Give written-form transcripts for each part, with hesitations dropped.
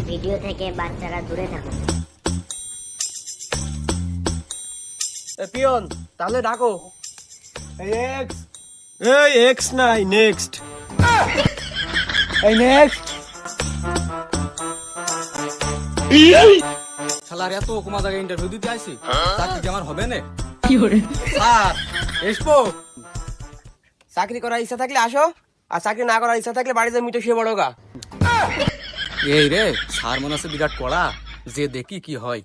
Video থেকে বাচ্চারা দূরে থাকুন। পিয়ন তাহলে ডাকো। এই এক্স নাই নেক্সট। এই নেক্সট। শালার এত কমা জায়গায় ইন্টারভিউ দিতে আইছি, চাকরি কি আমার হবে না? স্যার এসবো। চাকরি করার ইচ্ছা থাকলে আসো, আর চাকরি না করার ইচ্ছা থাকলে বাড়িতে মিটে শুয়ে বড় গা। এই রে, স্যার মনে আছে বিরাট কড়া, যে দেখি কি হয়।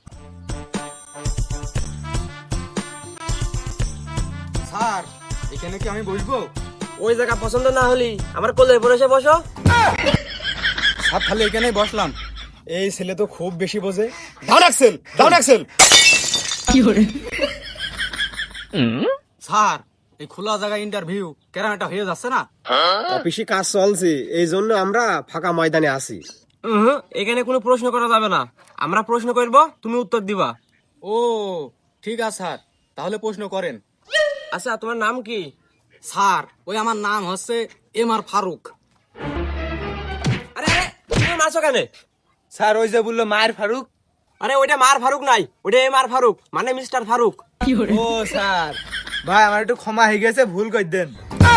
স্যার এখানে কি আমি বসবো? ওই জায়গা পছন্দ না হলি আমার কোলের উপর এসে বসো। স্যার তাহলে এখানেই বসলাম। এই ছেলে তো খুব বেশি বোঝে। Down axle, down axle. Sir এই খোলা জায়গায় ইন্টারভিউ কেরামটা হয়ে যাচ্ছে না? অফিসে কাজ চলছে, এই জন্য আমরা ফাঁকা ময়দানে আছি। এখানে কোনো প্রশ্ন করা যাবে না, আমরা প্রশ্ন করব, তুমি উত্তর দিবা। ও ঠিক আছে স্যার, তাহলে প্রশ্ন করেন। আচ্ছা তোমার নাম কি? স্যার ওই আমার নাম হচ্ছে এমআর ফারুক। আরে আরে তুমি মারছো কেন? স্যার ওই যে বললো মায়ের ফারুক। আরে ওইটা মার ফারুক নাই, ওইটা এম আর ফারুক, মানে মিস্টার ফারুক। ও স্যার, ভাই আমার একটু ক্ষমা হয়ে গেছে, ভুল করে দেন।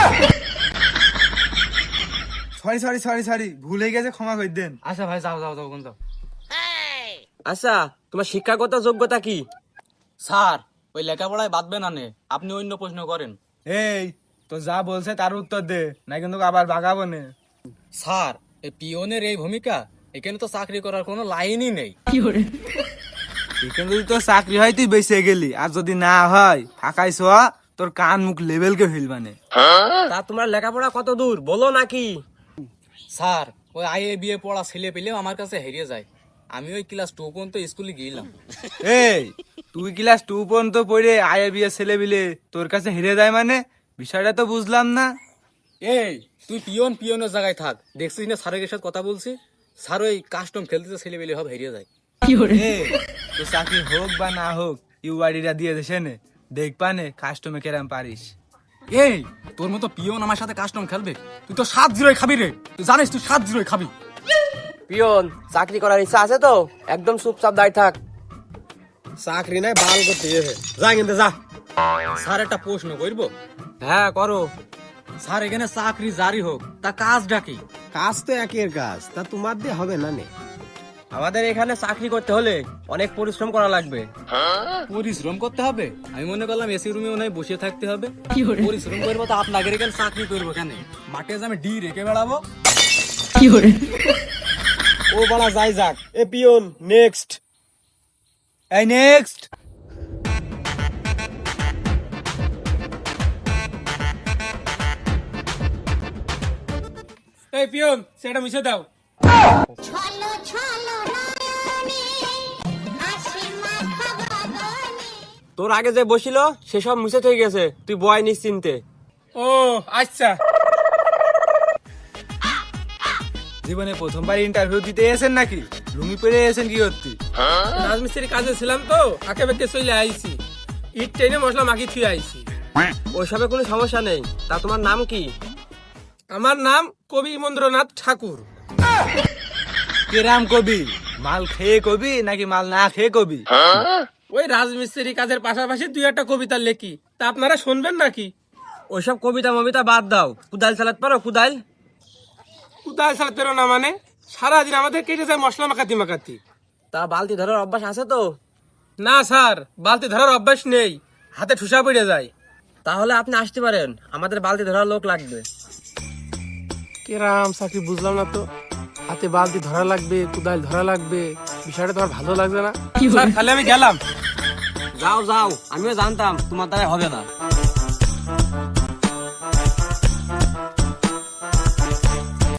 সরি সরি সরি সরি, ভুল হয়ে গেছে, ক্ষমা করে দেন। আচ্ছা ভাই যাও যাও যাও যাও। আচ্ছা তোমার শিক্ষাগত যোগ্যতা কি? স্যার ওই লেখাপড়ায় বাদবে না নে, আপনি অন্য প্রশ্ন করেন। এই তো যা বলছে তার উত্তর দে, না কিন্তু আবার বাগাবো না। স্যার এই পিওনের এই ভূমিকা, এখানে তো চাকরি করার কোনো লাইনই নেই। এখানে যদি তোর চাকরি হয় তুই বেঁচে গেলি, আর যদি না হয় ফাঁকাই শোয়া, তোর কান মুখ লেভেলকে ফেলবানে। তা তোমার লেখাপড়া কত দূর বলো নাকি? স্যার ওই আইএ বিএ পড়া ছেলে পেলেও আমার কাছে হেরিয়ে যায়। আমি ওই ক্লাস 2 পর্যন্ত স্কুলে গিয়েলাম। এই তুই ক্লাস 2 পর্যন্ত পড়ে আইএ বিএ ছেলে বিলে তোর কাছে হেরে যায় মানে, বিষয়টা তো বুঝলাম না। এই তুই পিওনের জায়গায় থাক, দেখছিস না স্যারের সাথে কথা বলছি, স্যার ওই কাস্টম খেলতে ছেলে পেলে সব হেরিয়ে যায়। এই তো চাকরি হোক বা না হোক, ইউআইডিটা দিয়ে দেশে নে, দেখবা নে কাস্টমে কেরাম পারিস। এই তোর মতো পিওন আমার সাথে কাস্টম খেলবে? তুই তো 7-0 খাবি রে, তুই জানিস তুই 7-0 খাবি। পিয়ন চাকরি করার ইচ্ছা আছে তো একদম চুপচাপ দাঁড়িয়ে থাক। চাকরি নাই বাল করতে যাবে, যা কিন্তু যা। স্যার একটা প্রশ্ন করবো? হ্যাঁ করো। স্যার এখানে চাকরি জারি হোক, তা কাজটা কি? কাজ তো একের কাজ, তা তোমার দিয়ে হবে না নে। আমাদের এখানে চাকরি করতে হলে অনেক পরিশ্রম করা লাগবে। পরিশ্রম করতে হবে? আমি মনে করলাম এসি রুমে মনে হয় বসে থাকতে হবে। পরিশ্রম করবো তো আপনাদের এখানে চাকরি করবো কেন? মাঠে যে আমি ডি রেখে বেড়াবো? ও বলা যাই যাক। এ পিয়ন নেক্সট। এই নেক্সট। এই পিয়ন সেটা মিশে দাও। ছলো ছলো নয়নে হাসি মাখা বাগানে। তোর আগে যে বসিল সেসব মুছে থেকে গেছে, তুই বয় নিশ্চিন্তে। ও আচ্ছা। জীবনে প্রথমবার ইন্টারভিউ দিতে এসেছেন নাকি? লুঙ্গি পরে এসেছেন কি করতে? রাজমিস্ত্রির কাজে ছিলাম তো, আঁকে বেঁকে চলে আইছি, ইট টেনে মশলা মাখি থুয়ে আইছি। ওইসবে কোনো সমস্যা নেই। তা তোমার নাম কি? আমার নাম কবি মন্দ্রনাথ ঠাকুর। কেরাম কবি? মাল খেয়ে কবি নাকি মাল না খেয়ে কবি? ওই রাজমিস্ত্রি কাজের পাশাপাশি দুই একটা কবিতা লেখি, তা আপনারা শুনবেন নাকি? ওইসব কবিতা মবিতা বাদ দাও, কুদাল চালাতে পারো? কুদাল চালাতে পারো না মানে? সারাদিন আমাদের কেটে যায় মশলা মাখাতি মাখাতি। তা বালতি ধরার অভ্যাস আছে তো? না স্যার, বালতি ধরার অভ্যাস নেই, হাতে ঠুসা পড়ে যায়। তাহলে আপনি আসতে পারেন, আমাদের বালতি ধরার লোক লাগবে। কেরাম চাকরি বুঝলাম না তো, হাতে বালতি ধরা লাগবে, কুদাল ধরা লাগবে, বিষয়টা তোমার ভালো লাগবে না? স্যার খালি আমি গেলাম। যাও যাও, আমিও জানতাম তোমার দ্বারা হবে না।